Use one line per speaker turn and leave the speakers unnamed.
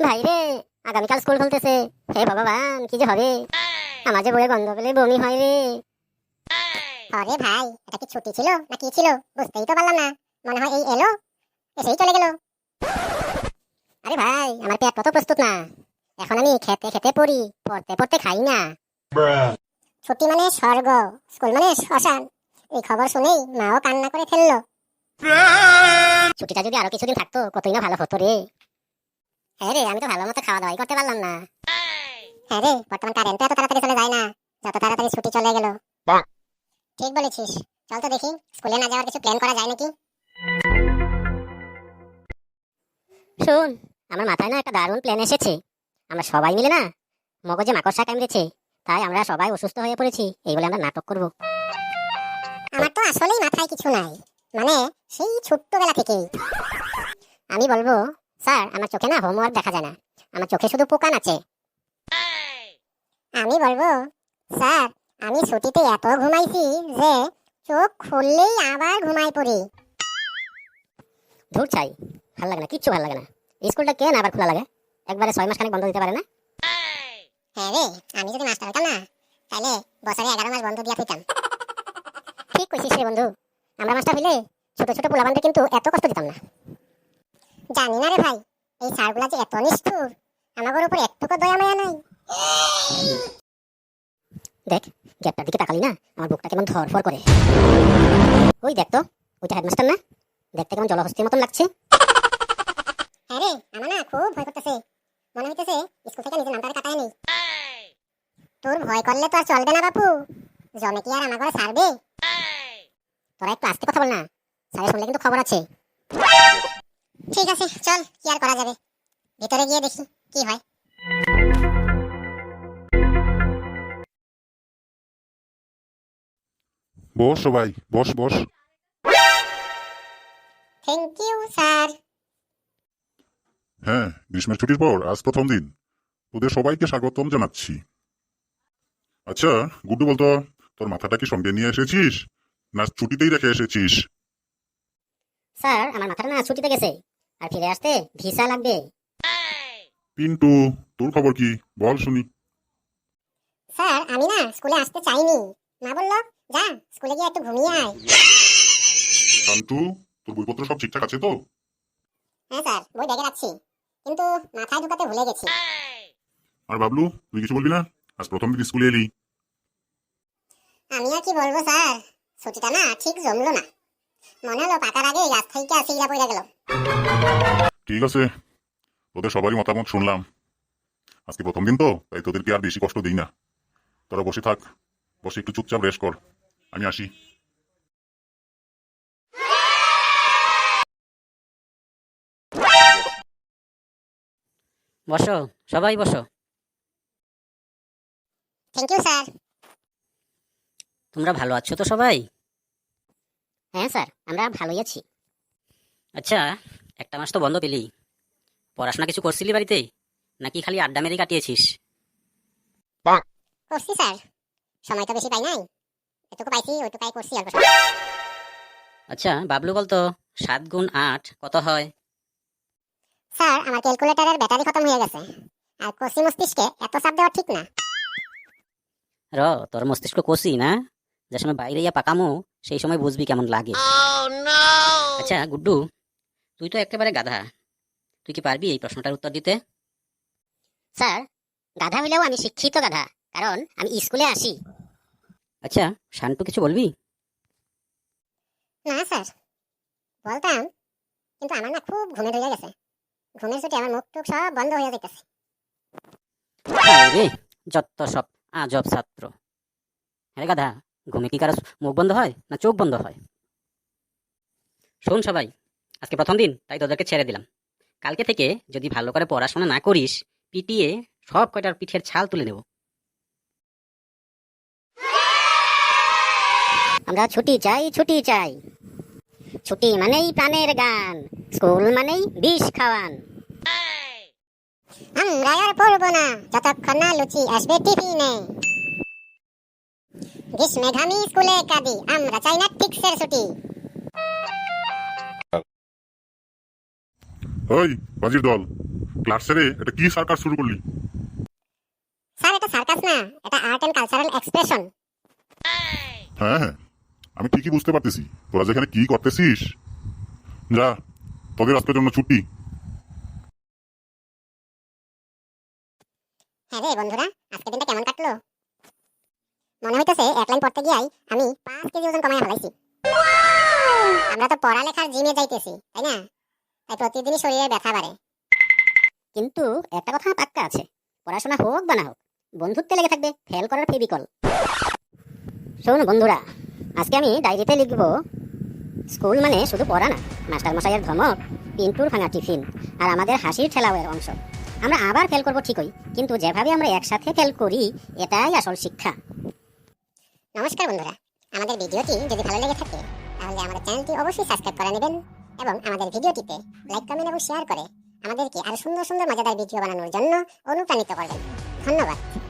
ভাই রে, আগামীকাল স্কুল খুলতেছে। হে ভগবান, কি যে হবে। আমার যে বইয়ে গন্ধ পেলে বমি হয় রে।
আরে ভাই, এটা কি ছুটি ছিল না কি ছিল বুঝতেই তো পারলাম না। মনে হয় এই এলো, এসেই চলে গেল।
আরে ভাই, আমার পেট কত প্রস্তুত না। এখন আমি খেতে খেতে পড়ি, পড়তে পড়তে খাই না।
ছুটি মানে স্বর্গ, স্কুল মানে শ্মশান। এই খবর শুনেই মাও কান্না করে ফেললো।
ছুটিটা যদি আরো কিছুদিন থাকতো কতই না ভালো হতো রে। হ্যাঁ রে, আমি তো ভালো মতো খাওয়া দাওয়াই করতে পারলাম না।
হ্যাঁ রে, বর্তমান কারেন্ট এত তাড়াতাড়ি চলে যায় না, যত তাড়াতাড়ি ছুটি চলে গেল। ঠিক বলেছিস। চল তো দেখি স্কুলে না যাওয়ার কিছু প্ল্যান করা যায় নাকি।
শোন, আমার মাথায় না একটা দারুণ প্ল্যান এসেছে। আমরা সবাই মিলে না মগজে মাকড়সা কামড়েছে, তাই আমরা সবাই অসুস্থ হয়ে পড়েছি, এই বলে আমরা নাটক করব।
আমার তো আসলেই মাথায় কিছু নাই, মানে সেই ছোট্টবেলা থেকেই।
আমি বলবো, স্যার আমার চোখে না হোমওয়ার্ক দেখা যায় না, আমার চোখে শুধু পোকা নাচে।
আমি বলবো, স্যার আমি ছুটিতে এত ঘুমাইছি যে চোখ খুললেই আবার ঘুমাই পড়ি।
ধুর চাই, ভালো লাগে না, কিচ্ছু ভালো লাগে না। স্কুলটা কেন আবার খোলা লাগে? একবারে 6 মাস খানিক বন্ধ দিতে পারে না?
হ্যাঁ রে, আমি যদি মাস্টার হতাম না, তাহলে বছরে 11 মাস বন্ধ দিয়া দিতাম।
ঠিক কইছিস রে বন্ধু, আমরা মাস্টার হইলে ছোট ছোট পোলাপানদের কিন্তু এত কষ্ট দিতাম না।
জানি না রে ভাই, এই স্যারগুলা যে এত নিষ্ঠুর, আমাদের উপর একটুকু দয়া মায়া নাই।
দেখ, গ্যাপটার দিকে তাকালি না, আমার বুকটা কেমন ধরফর করে। ওই দেখ তো, ওইটা হেডমাস্টার না? দেখতে কেমন জলহস্তির মতন লাগছে।
হ্যাঁ রে, আমার না খুব ভয় করতেছে। মনে হইতেছে স্কুল থেকে নিজের নামটা কাটায় নেই। তোর ভয় করলে তো আর চলবে না বাপু, জমে কি আর আমার ঘরে ছাড়বে?
তোরা একটু আস্তে কথা বল না, স্যারের শুনলে কিন্তু খবর আছে।
ঠিক আছে চল, কি আর করা যাবে, ভিতরে গিয়ে দেখি কি হয়।
বস সবাই, বস বস।
Thank you sir.
হ্যাঁ, গ্রীষ্মের ছুটির পর আজ প্রথম দিন, তোদের সবাইকে স্বাগতম জানাচ্ছি। আচ্ছা গুড্ডু, বলতো তোর মাথাটা কি সঙ্গে নিয়ে এসেছিস না ছুটিতেই রেখে এসেছিস?
স্যার আমার মাথাটা না ছুটিতে গেছে, আর ফিরে আসতে ভিসা লাগবে।
পিন্টু, তোর খবর কি বল শুনি।
স্যার আমি না স্কুলে আসতে চাইনি, মা বললো যা স্কুলে গিয়ে একটু ঘুমিয়ে আয়।
শান্তু, তোর বইপত্র সব ঠিকঠাক আছে তো?
হ্যাঁ স্যার, বই ব্যাগে রাখছি, কিন্তু মাথায় ঢুকাতে ভুলে গেছি।
আর বাবলু, তুই কিছু বলবি না? আজ প্রথম দিন স্কুলে এলি।
আমি আর কি বলবো স্যার, ছুটিটা না ঠিক জমলো না। মনে হলো পাকার আগে গাছ থেকে সিগড়া পড়ে গেল।
ঠিক আছে, তোদের সবারই মতামত শুনলাম। আজকে প্রথম দিন তো, তাই তোদেরকে আর বেশি কষ্ট দিই না। তোরা বসে থাক, বসে একটু চুপচাপ রেস্ট কর, আমি আসি।
বসো, সবাই বসো।
Thank you sir.
তোমরা ভালো আছো তো সবাই?
হ্যাঁ স্যার, আমরা ভালোই আছি।
আচ্ছা, একটা মাস তো বন্ধ পেলি, পড়াশোনা কিছু করছিলি বাড়িতে, নাকি খালি আড্ডা মেরে কাটিয়েছিস?
করছি স্যার, সময় তো বেশি পাই নাই, এটুকু পাইছি ওইটুকাই করছি অল্প।
আচ্ছা বাবলু, বলতো 7 গুণ 8 কত হয়?
স্যার আমার ক্যালকুলেটরের ব্যাটারি খতম হয়ে গেছে, আর কষি মস্তিষ্কে এত চাপ দেওয়া ঠিক না।
তোর মস্তিষ্ক কষি না, যে সময় বাইরে ইয়া পাকামো সেই সময় বুঝবি কেমন লাগে। আচ্ছা গুড্ডু, তুই তো একেবারে গাধা, তুই কি পারবি এই প্রশ্নটার উত্তর দিতে?
স্যার, গাধা হইলেও আমি শিক্ষিত গাধা, কারণ আমি স্কুলে আসি।
আচ্ছা শান্তু, কিছু বলবি?
না স্যার, বলতাম, কিন্তু আমার না খুব ঘুমে ধরে গেছে। ঘুমের ছুটি আমার মুখ টুক সব বন্ধ হয়ে যেতেছে।
রে, যত সব আজব ছাত্র। হ্যাঁ গাধা, ঘুমে কি কারো মুখ বন্ধ হয় না চোখ বন্ধ হয়? শোন সবাই, আজকে প্রথম দিন, তাই তোদেরকে ছেড়ে দিলাম। কালকে থেকে যদি ভালো করে পড়াশোনা না করিস, পিটিয়ে সব কয়টার পিঠের ছাল তুলে নেব।
আমরা ছুটি চাই, ছুটি চাই। ছুটি মানেই প্রাণের গান, স্কুল মানেই বিষ খাওয়ান।
আমরা আর পড়বো না যতক্ষণ না লুচি আসবে টিফিনে। গ্রীষ্মে ঘামি স্কুলে কাঁদি, আমরা চাই না ফিক্সের ছুটি।
ওই বাজির দল, ক্লাস ছেড়ে এটা কি সার্কাস শুরু করলি?
স্যার এটা সার্কাস না, এটা আর্ট এন্ড কালচারাল এক্সপ্রেশন।
হ্যাঁ হ্যাঁ, আমি ঠিকই বুঝতে পারতেছি তোরা যেখানে কি করতেছিস। যা, তোদের আজকের জন্য ছুটি।
হ্যাঁ রে বন্ধুরা, আজকে দিনটা কেমন কাটলো? মনে হইতেছে এক লাইন পড়তে গিয়াই আমি 5 কেজি ওজন কমায় ফেলাইছি। আমরা তো পড়ালেখার জিমে যাইতেছি, তাই না? তাই প্রতিদিনই শরীরে ব্যথা বাড়ে।
কিন্তু একটা কথা পাক্কা আছে, পড়াশোনা হোক বা না হোক, বন্ধুত্বে লেগে থাকবে ফেল করার ফেবিকল। শোন বন্ধুরা, আজকে আমি ডায়েরিতে লিখব, স্কুল মানে শুধু পড়া না, মাস্টার মশাইয়ের ধমক, পিন্টুর ভাঙা টিফিন, আর আমাদের হাসির ঠেলাওয়ের অংশ। আমরা আবার ফেল করব ঠিকই, কিন্তু যেভাবে আমরা একসাথে ফেল করি এটাই আসল শিক্ষা।
নমস্কার বন্ধুরা, আমাদের ভিডিওটি যদি ভালো লেগে থাকে তাহলে আমাদের চ্যানেলটি অবশ্যই সাবস্ক্রাইব করে নেবেন এবং আমাদের ভিডিওটিতে লাইক, কমেন্ট এবং শেয়ার করে আমাদেরকে আরো সুন্দর সুন্দর মজাদার ভিডিও বানানোর জন্য অনুপ্রাণিত করবেন। ধন্যবাদ।